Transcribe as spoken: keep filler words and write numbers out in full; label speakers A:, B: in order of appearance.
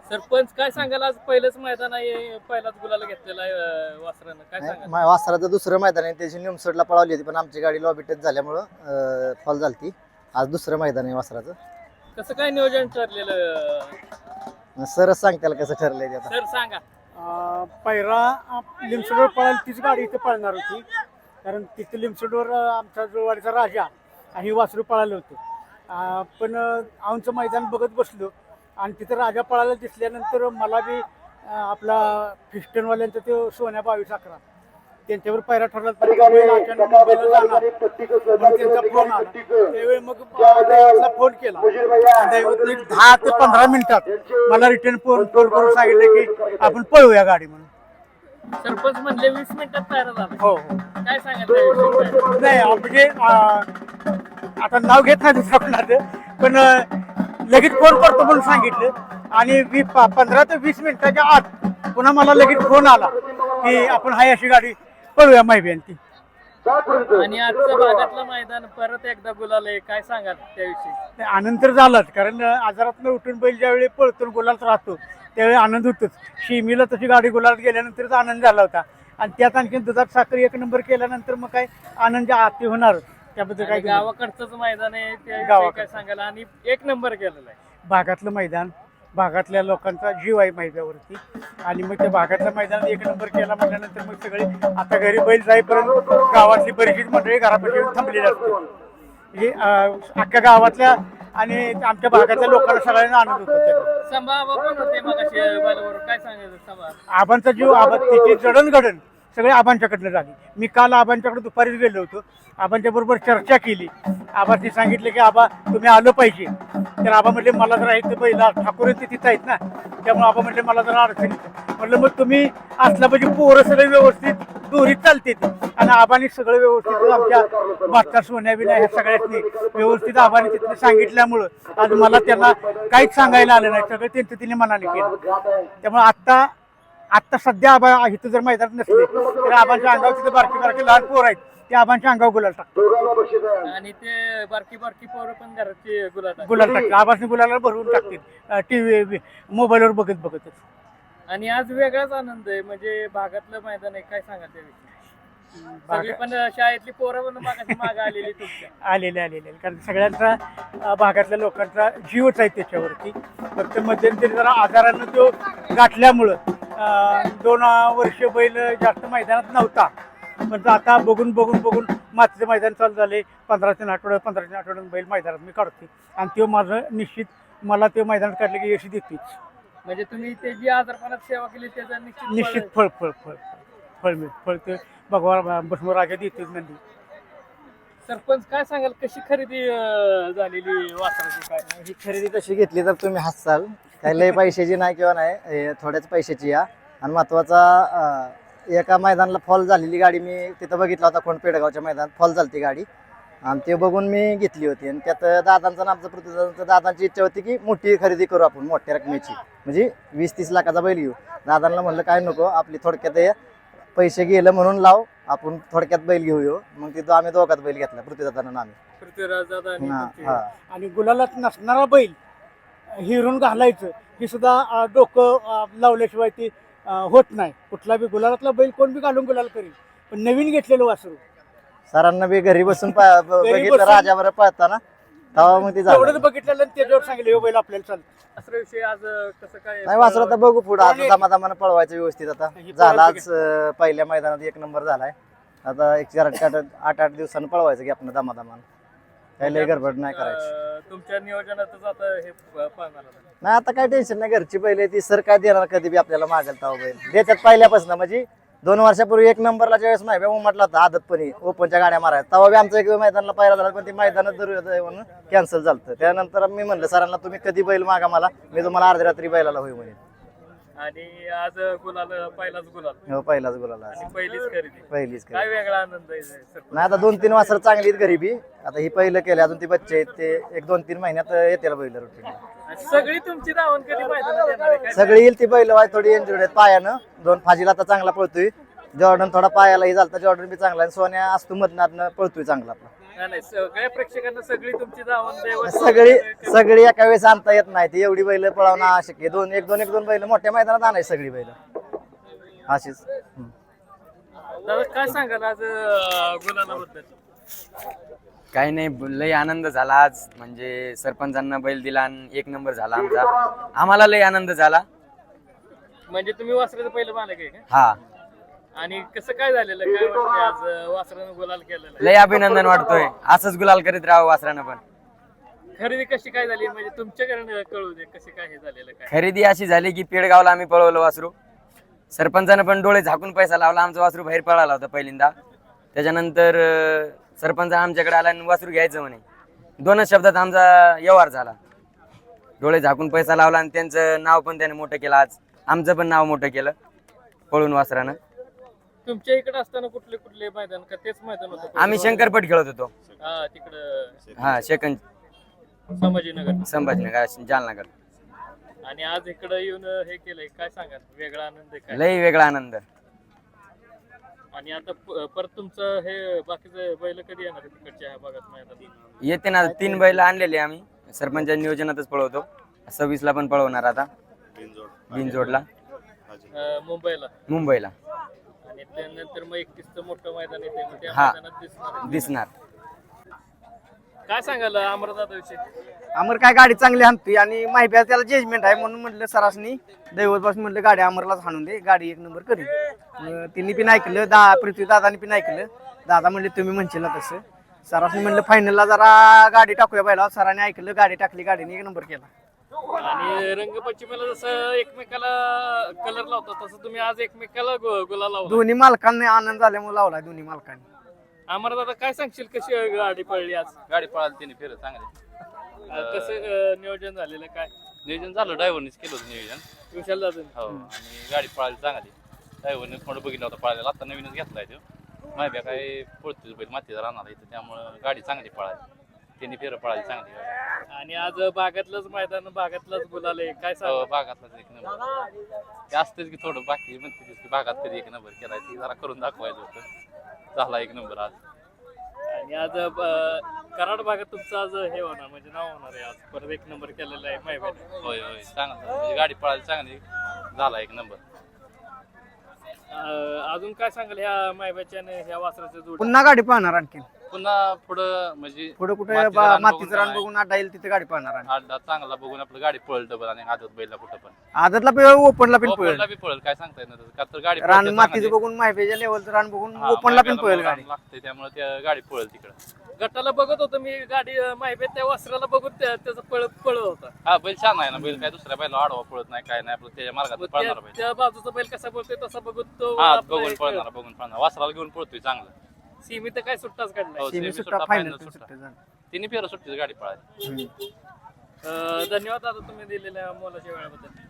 A: सरपंच काय सांगाल, आज पहिलंच मैदान आहे, पहिलाच गुलाल घेतलेला आहे वासरानं, काय सांगाल?
B: वासराचं दुसरं मैदान आहे, त्याची निमसोडला पळवली होती पण आमची गाडी लॉबी टच झाल्यामुळं फॉल झालती. आज दुसरं मैदान आहे वासराचं.
A: कसं काय नियोजन ठरलेलं
B: सरच सांगताल कसं ठरलंय ते आता.
A: सर सांगा.
C: पहिला लिमसोडवर पळायला तीच गाडी इथे पळणार होती, कारण तिथे लिमसोडवर आमचा जुळवाडीचा राजा आणि वासरू पळालं होतं. पण आमचं मैदान बघत बसलो आणि तिथं राजा पळायला दिसल्यानंतर मला बी आपला फिस्टनवाल्यांचा तो सोन्या बावीस अकरा त्यांच्यावर पहिला ठरला. त्यांचा फोन आला त्यावेळी मग फोन केला, दहा ते पंधरा मिनिटात मला रिटर्न फोन फोन करून सांगितलं की आपण पळूया गाडी म्हणून.
A: सरपंच म्हणले वीस मिनिटात तयार झाला.
C: हो
A: काय सांगाल?
C: नाही म्हणजे आता नाव घेत नाही दुसरं कोणाचं, पण लगेच फोन करतो म्हणून सांगितलं आणि वी पंधरा ते वीस मिनिटाच्या आत पुन्हा मला लगेच फोन आला की आपण हाय अशी गाडी पळूया माहिती.
A: आणि आजच्या भागातलं मैदान परत एकदा गुलाल, काय सांगाल त्याविषयी?
C: आनंद तर झालाच, कारण आजारात उठून बैल ज्यावेळी पळतो गुलालात राहतो त्यावेळी आनंद होतोच. शिमीला तशी गाडी गुलालात गेल्यानंतरच आनंद झाला होता आणि त्यात आणखी दुधात साखर एक नंबर केल्यानंतर मग काय आनंद आती होणार. त्याबद्दल काय
A: गावाकडचंच मैदान आहे, त्याविषयी काय सांगाल? आणि एक नंबर केलेला आहे.
C: भागातलं मैदान, भागातल्या लोकांचा जीव आहे मैदानावरती आणि मग त्या भागातल्या मैदानात एक नंबर केला म्हटल्यानंतर मग सगळे आता घरी बैल जाईपर्यंत गावातली बरीचशी मंडळी घरापाशी थांबलेली असते. हे अख्ख्या गावातल्या आणि आमच्या भागातल्या लोकांना सगळ्यांना आनंद होतो.
A: संभा पण होते मग काय सांगायचं? संभा
C: आबांचा जीव, आबा तिची जडणघडण सगळे आबांच्याकडनं झाली. मी काल आबांच्याकडे दुपारीच गेलो होतो, आबांच्या बरोबर चर्चा केली. आबांनी सांगितलं की आबा तुम्ही आलं पाहिजे. तर आबा म्हटले मला जरा इथं पहिला ठाकूर ते तिथं आहेत ना, त्यामुळे आबा म्हटले मला जरा अडचण येतं. म्हटलं मग तुम्ही असला पाहिजे, पोरं सगळे व्यवस्थित दोरीत चालते ते आणि आबांनी सगळं व्यवस्थित आमच्या बादशाह सोन्या बिन्या ह्या सगळ्यांनी व्यवस्थित आबांनी तिथं सांगितल्यामुळं आज मला त्यांना काहीच सांगायला आलं नाही, सगळं त्यांचं तिने मनाने केलं. त्यामुळे आत्ता आत्ता सध्या आबा इथं जर मैदानात नसले तर आबांच्या अंगावर तिथे बारकी बारकी लहान पोर आहेत, ते आबांच्या अंगावर गुलाल टाकतात
A: आणि ते बारकी बारकी पोरं पण घराची गुलाल
C: गुलाल टाकतात. आबांनी गुलाला भरवून टाकतील टीव्ही मोबाईलवर बघत बघतच.
A: आणि आज वेगळाच आनंद आहे, म्हणजे भागातलं मैदान आहे, काय सांगा त्याविषयी? सगळी पण शाळेतली पोरं पण मागे आलेली तुमच्या
C: आलेले आलेले कारण सगळ्यांचा भागातल्या लोकांचा जीवच आहे त्याच्यावरती. फक्त मध्यंतरी जरा आजारानं तो गाठल्यामुळं दोन वर्ष बैल जास्त मैदानात नव्हता, पण आता बघून बघून बघून मातीचं मैदान चालू झाले. पंधरा तीन आठवड्यात पंधरा तीन आठवड्यात बैल मैदानात मी काढते आणि तो माझं निश्चित मला ते मैदानात काढले की यश देतेच.
A: म्हणजे तुम्ही ते जी आजारपणात सेवा केली त्याचा निश्चित
C: निश्चित फळ फळ फळ फळ मिळ फळ ते भगवान भस्म राजा देतेच नंदी.
A: सरपंच काय सांगाल, कशी खरेदी झालेली वासराची? काय
B: ही खरेदी कशी घेतली तर तुम्ही हसाल, काही लय पैशाची नाही किंवा नाही, थोड्याच पैशाची या. आणि महत्वाचा एका मैदानाला फॉल झालेली गाडी मी तिथं बघितला होता, कोण पेडगावच्या मैदानात फॉल झाली गाडी आणि ते बघून मी घेतली होती. आणि त्यात दादांचा नामचा पृथ्वीदादांचा दादांची इच्छा होती की मोठी खरेदी करू आपण, मोठ्या रकमेची, म्हणजे वीस तीस लाखाचा बैल घेऊ. दादांना म्हणलं काय नको, आपली थोडक्यात पैसे गेलं म्हणून लाव, आपण थोडक्यात बैल घेऊ. मग तिथं आम्ही दोघात बैल घेतला, पृथ्वीदादांना आम्ही.
A: पृथ्वीराज
C: आणि गुलालात नसणारा बैल हिरून घालायचं हे सुद्धा डोकं लावल्याशिवाय ती होत नाही. कुठला बी गुलालातला बैल कोण बी घालून गुलाल करेल, पण नवीन घेतलेलं वासरू
B: सरांना बी घरी बसून बघितलं राजावर पळताना, तेव्हा मग ते
C: एवढंच बघितलं त्याच्यावर सांगितलं बैल आपल्याला चालतं.
A: असं विषय आज कसं काय
B: नाही वासरू आता बघू पुढे, आता दमादमानं पळवायचं व्यवस्थित. आता झाला आज पहिल्या मैदानात एक नंबर झालाय, आता एक चार आठ आठ आठ दिवसानं पळवायचं की आपण दमादमानं, काही लय गडबड नाही करायची.
A: तुमच्या नियोजनातच आता हे पळणार
B: नाही, आता काय टेन्शन नाही, घरची बैल ती सर काय देणार कधी बी आपल्याला मागेल तेव्हा बैल देतात पहिल्यापासून. म्हणजे दोन वर्षापूर्वी एक नंबरला ज्यावेळेस माहिती म्हटलं होतं आदतपणी ओपनच्या गाड्या मारायला, तेव्हा बी आमचं एक मैदानाला पाहिला झाला, पण ती मैदानात जरूर म्हणून कॅन्सल झालं. त्यानंतर मी म्हणलं सरांना तुम्ही कधी बैल मागा मला, मी तुम्हाला अर्ध्या रात्री बैलाला होई म्हणे.
A: आणि आज गुलाल पहिलाच गुलाल
B: हो पहिलाच गुलाल
A: पहिलीच खरेदी
B: पहिलीच
A: काय वेगळा आनंद आहे.
B: नाही आता दोन तीन वासर चांगली आहेत घरी बी, आता ही पहिलं केलं, अजून ती बच्चे आहेत ते एक दोन तीन महिन्यात येतील बैल रुटीन.
A: सगळी तुमची धावण कधी मैदानात येणार आहे?
B: सगळी येईल ती बैल थोडी इंजुर्ड आहेत पायानं, दोन फाजीला आता चांगला पळतोय, जॉर्डन थोडा पायालाही झालता, जॉर्डन बी चांगला आहे, सोन्या असतो मधनातनं पळतोय चांगला आपला.
A: नाही नाही, सगळ्या प्रेक्षकांना सगळी तुमची धावून दैवत
B: सगळी सगळी एका वेळेस आणता येत नाही ती एवढी बैल पळवणं आवश्यक आहे. दोन एक दोन एक दोन बैल मोठ्या मैदानात आणायची सगळी बैल अशीच. हम्म.
A: दादा काय सांगाल आज अं, गुलालाबद्दल?
D: काही नाही, लय आनंद झाला आज. म्हणजे सरपंचांना बैल दिला आणि एक नंबर झाला आमचा. आम्हाला लय आनंद झाला.
A: म्हणजे तुम्ही वासराचं पहिलं मालक आहे का?
D: हा,
A: आणि कसं काय झालेलं, काय वाटतंय आज अं, वासरानं गुलाल केलेलं आहे?
D: लय अभिनंदन वाटतोय. असंच गुलाल करीत राहावं वासरानं पण.
A: खरेदी कशी काय झाली म्हणजे तुमच्याकडे कळू दे कशी काय हे झालेलं काय?
D: खरेदी अशी झाली की पेडगावला आम्ही पळवलं वासरू. सरपंचानं पण डोळे झाकून पैसा लावला. आमचा वासरू बाहेर पळाला होता पहिल्यांदा. त्याच्यानंतर अं, सरपंच आमच्याकडे आला आणि वासरू घ्यायचं म्हणे. दोनच शब्दात आमचा व्यवहार झाला. डोळे झाकून पैसा लावला आणि त्यांचं नाव पण त्याने मोठं केलं. आज आमचं पण नाव मोठं केलं पळून वासरानं.
A: तुमच्या इकडे असताना कुठले कुठले मैदान का तेच मैदान होतं?
D: आम्ही शंकरपट खेळत होतो.
A: हा तिकडं
D: हा, शेकंद
A: संभाजीनगर.
D: संभाजीनगर जालनागड.
A: आणि आज इकडं येऊन हे केलंय, काय सांगाल? वेगळा आनंद आहे काय?
D: लय वेगळा आनंद.
A: आणि आता प- परत तुमचं हे बाकीचं बैल कधी येणार आहे तिकडच्या ह्या भागात मैदान?
D: येते ना, तीन बैल आणलेले आम्ही सरपंच नियोजनातच पळवतो. सव्वीस ला पण पळवणार आता बिनजोडला
A: अं, मुंबईला.
D: मुंबईला
A: आणि त्यानंतर मग एकतीसचं मोठं मैदान येते, मग त्या
D: हा.
A: मैदानात दिसणार आहे.
D: दिसणार.
A: काय सांगाल अमरदादाविषयी?
C: अमर काय गाडी चांगली हाणतोय आणि माहिती त्याला जजमेंट आहे म्हणून म्हटलं सरासनी दैवतपासून म्हटलं गाडी अमरलाच हाणून दे, गाडी एक नंबर करेल. मग तिने पण ऐकलं, दा पृथ्वी दादानी पण ऐकलं. दादा म्हणले तुम्ही म्हणशील ना तसं. सरासनी म्हणलं फायनलला जरा गाडी टाकूया पहिला. सरांनी ऐकलं, गाडी टाकली, गाडीने एक नंबर केला.
A: आणि रंगपंचमीला जसं एकमेकाला कलर लावतात तसं तुम्ही आज एकमेकाला गु- गुलाल लावला.
C: दोन्ही मालकांनी आनंद झाल्यामुळे लावला दोन्ही मालकांनी.
A: अमरदादा काय सांगशील कशी गाडी पडली आज?
E: गाडी पळाली तिने फिरत चांगले
A: अं, कसं अं, नियोजन झालेलं काय?
E: नियोजन झालं, ड्रायव्हरनेच केलं होतं नियोजन.
A: विशाल दादा
E: हो, आणि गाडी पळाली चांगली. ड्रायव्हरने थोडं बघितलं होतं पळायला, आता नवीनच घेतलाय तो. माहिती काय पळतोय बैल मातीचा राहणार इथं, त्यामुळं गाडी चांगली पळाली. तिने फिरं पळाली चांगली गाडी.
A: आणि आज भागातलंच मैदान, भागातलंच गुलाल आहे, काय
E: हो,
A: सांग?
E: भागातलाच एक नंबर. ते असतेच की थोडं बाकी म्हणते की भागात कधी एक नंबर केलाय, ती जरा करून दाखवायचं होतं. झाला एक नंबर आज.
A: आणि आज अं, कराड भागात तुमचं आज हे होणार म्हणजे नाव होणार आहे आज. परत एक नंबर केलेला आहे माहिती.
E: होय होय, चांगलं म्हणजे गाडी पळाली चांगली, झाला एक नंबर.
A: अजून काय सांगाल ह्या मायबाच्या आणि ह्या वासराच्या जोडी?
C: पुन्हा गाडी पाहणार आणखी
E: पुन्हा पुढं म्हणजे
C: पुढे कुठे
E: मातीचं रान
C: मातीचं रान
E: बघून
C: बघून अड्डा येईल तिथे गाडी पाहणार आणि
E: अड्डा चांगला बघून आपलं गाडी पळल डबल आणि आदत बैलला कुठं पण
C: आदतला पे ओपनला पण पळेल.
E: ओपनला बी पळल, काय सांगता येत नाही का तर गाडी
C: रान
E: पळते
C: मातीचं
E: चांगली.
C: बघून माहितीच्या लेवलचं रान बघून
E: हा,
C: ओपनला पण
E: मायब्याला
C: पळेल
E: रान
C: गाडी.
E: लागतंय त्यामुळे त्या गाडी पळल तिकडं.
A: गटाला बघत होतो मी गाडी माहिती त्या वासराला बघून त्या- त्याचं पळ पळत होता.
E: हा, बैल छान आहे ना, बैल काय दुसऱ्या बैला आडवा पळत नाही, काय नाही, आपलं त्याच्या मार्गात
A: मग
E: पळणार
A: त्या-
E: बैल.
A: त्या बाजूचा बैल कसा बोलतोय तसा बघून तो
E: हा,
A: आपला
E: बघून
A: एक
E: पळणार, बघून पळणार. वासराला घेऊन पळतोय चांगलं.
A: सीमित काय सुट्टाच काढलाय.
E: हो,
C: सेमी
E: सेमी
C: सुट्टा
E: सुट्टा,
C: फायनल
E: final
C: सुट्टा
E: सुट्टा.
C: झाला.
E: तिन्ही फेर सुट्टीची गाडी पळाली.
A: अं, धन्यवाद दादा तुम्ही दिलेल्या मोलाच्या वेळाबद्दल.